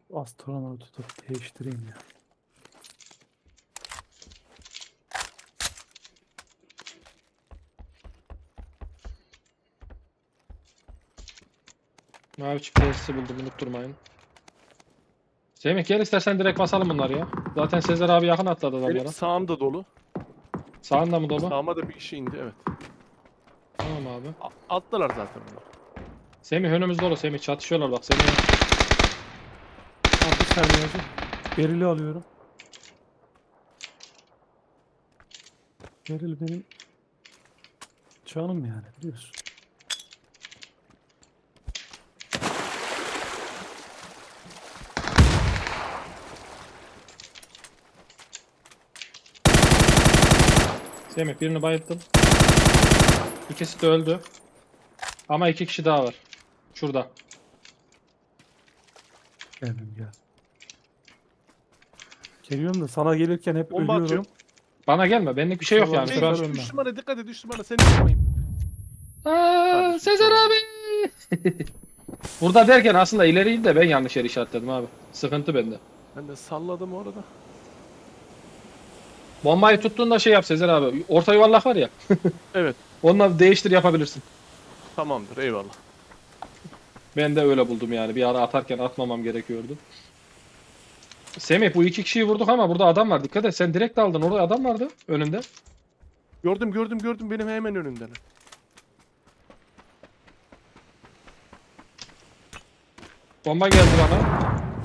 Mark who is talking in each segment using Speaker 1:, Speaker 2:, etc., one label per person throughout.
Speaker 1: Astronotu tutup değiştireyim ya.
Speaker 2: Mavi çift tesisi buldum, unutturmayın. Semih gel istersen direkt basalım bunları ya. Zaten Sezer abi yakın atladı
Speaker 3: Benim
Speaker 2: adamlara.
Speaker 3: sağım da dolu.
Speaker 2: Sağında mı dolu?
Speaker 3: Sağıma da bir kişi indi, evet.
Speaker 2: Tamam abi.
Speaker 3: Attılar zaten bunlar.
Speaker 2: Semih önümüzde dolu. Semih çatışıyorlar bak. Semih.
Speaker 1: Abi bir saniye hacı. Berili alıyorum. Beril benim canım yani biliyorsun.
Speaker 2: Semih birini bayılttım. İkisi de öldü. Ama iki kişi daha var. Şurada.
Speaker 1: Geldim gel. Geliyorum da sana gelirken hep
Speaker 3: Bomba
Speaker 1: ölüyorum.
Speaker 3: atıyorum.
Speaker 2: Bana gelme. Benlik bir şey yok
Speaker 1: İnşallah
Speaker 2: yani.
Speaker 1: bir
Speaker 2: Şu an...
Speaker 1: şey ölmem.
Speaker 3: Üç numara dikkat et, 3 numara seni yapmayayım. Kardeşim,
Speaker 2: Sezer
Speaker 3: tamam.
Speaker 2: abi. Burada derken aslında ileriydi de ben yanlış yere işaretledim abi. Sıkıntı bende.
Speaker 3: Ben de salladım orada.
Speaker 2: Bombayı tuttuğunda şey yap Sezer abi. Orta yuvarlak var ya.
Speaker 3: Evet,
Speaker 2: Onunla değiştir yapabilirsin.
Speaker 3: tamamdır, eyvallah.
Speaker 2: Ben de öyle buldum yani. Bir ara atarken atmamam gerekiyordu. Semih bu iki kişiyi vurduk ama burada adam var. Dikkat et sen direkt aldın. Orada adam vardı önünde.
Speaker 3: Gördüm, benim hemen önümden.
Speaker 2: Bomba geldi bana.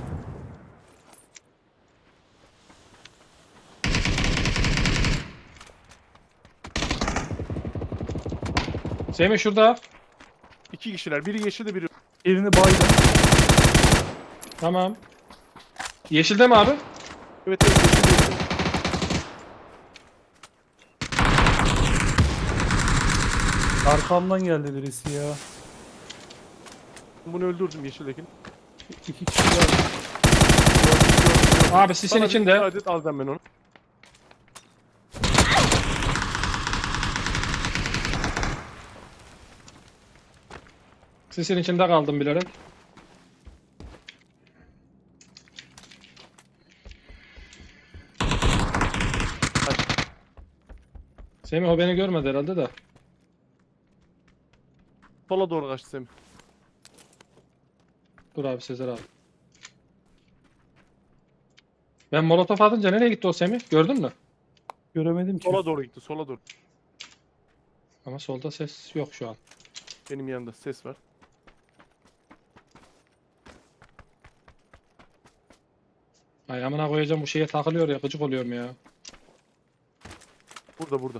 Speaker 2: Semih şurada.
Speaker 3: 2 kişiler, biri yeşilde, biri...
Speaker 1: Birini baydım.
Speaker 2: Tamam. Yeşilde mi abi?
Speaker 3: Evet, yeşilde.
Speaker 1: Arkamdan geldi birisi ya.
Speaker 3: Bunu öldürdüm yeşildekini.
Speaker 1: İki kişi var.
Speaker 2: Abi sisin
Speaker 3: Bana bir
Speaker 2: içinde.
Speaker 3: müsaade et, alacağım ben onu.
Speaker 2: Sisin içinde kaldım bilerek. Semih o beni görmedi herhalde de.
Speaker 3: Sola doğru kaçtı Semih.
Speaker 2: Dur abi Sezer abi. Ben molotof atınca nereye gitti o Semih? Gördün mü?
Speaker 1: Göremedim ki.
Speaker 3: Sola doğru gitti, sola doğru.
Speaker 2: Ama solda ses yok şu an.
Speaker 3: Benim yanımda ses var.
Speaker 2: Ay amına koyacağım bu şeye takılıyor ya gıcık oluyorum ya.
Speaker 3: Burada.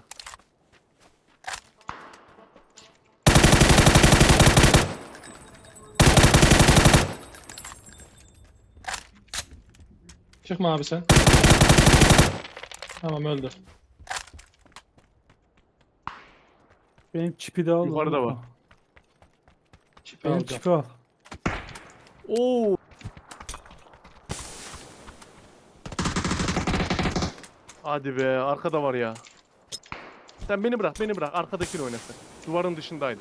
Speaker 2: Çıkma abi sen. Tamam öldü.
Speaker 1: Benim çipi de al.
Speaker 3: Yukarıda
Speaker 1: unutma.
Speaker 3: var.
Speaker 2: Çipi
Speaker 1: Benim
Speaker 2: alacağım.
Speaker 1: çipi al.
Speaker 3: Oo. Hadi be, arkada var ya. Sen beni bırak. Arkadakini oynasın. Duvarın dışındaydı.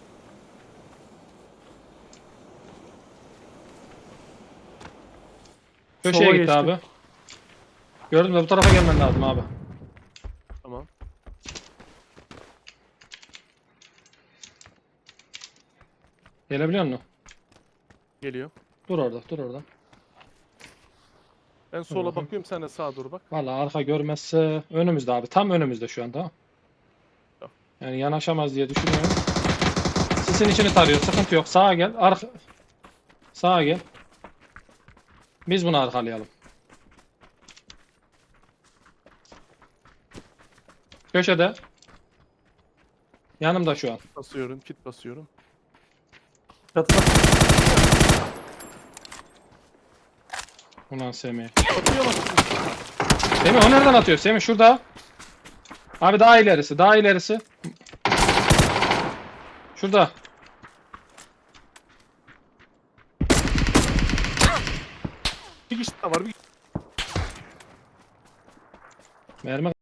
Speaker 2: Köşeye
Speaker 1: Sola
Speaker 2: gitti
Speaker 1: geçti.
Speaker 2: abi. Gördün mü bu tarafa gelmen lazım abi.
Speaker 3: Tamam.
Speaker 2: Gelebiliyor musun?
Speaker 3: Geliyor.
Speaker 2: Dur orada.
Speaker 3: Ben sola
Speaker 2: Hı hı.
Speaker 3: bakıyorum, sen de sağa doğru bak.
Speaker 2: Vallahi arka görmezse önümüzde abi. Tam önümüzde şu an tamam.
Speaker 3: Tamam.
Speaker 2: Yani yanaşamaz diye düşünüyorum. Sisin içini tarıyor. Sıkıntı yok. Sağa gel. Sağa gel. Biz bunu arkalayalım. Köşede. Yanımda şu an.
Speaker 3: Kit basıyorum.
Speaker 1: Çatıda.
Speaker 2: Ulan Semih.
Speaker 3: Atıyor mu?
Speaker 2: Semih o nereden atıyor? Semih şurada. Abi daha ilerisi. Şurada.
Speaker 3: Bir kişi daha var.
Speaker 2: Mermi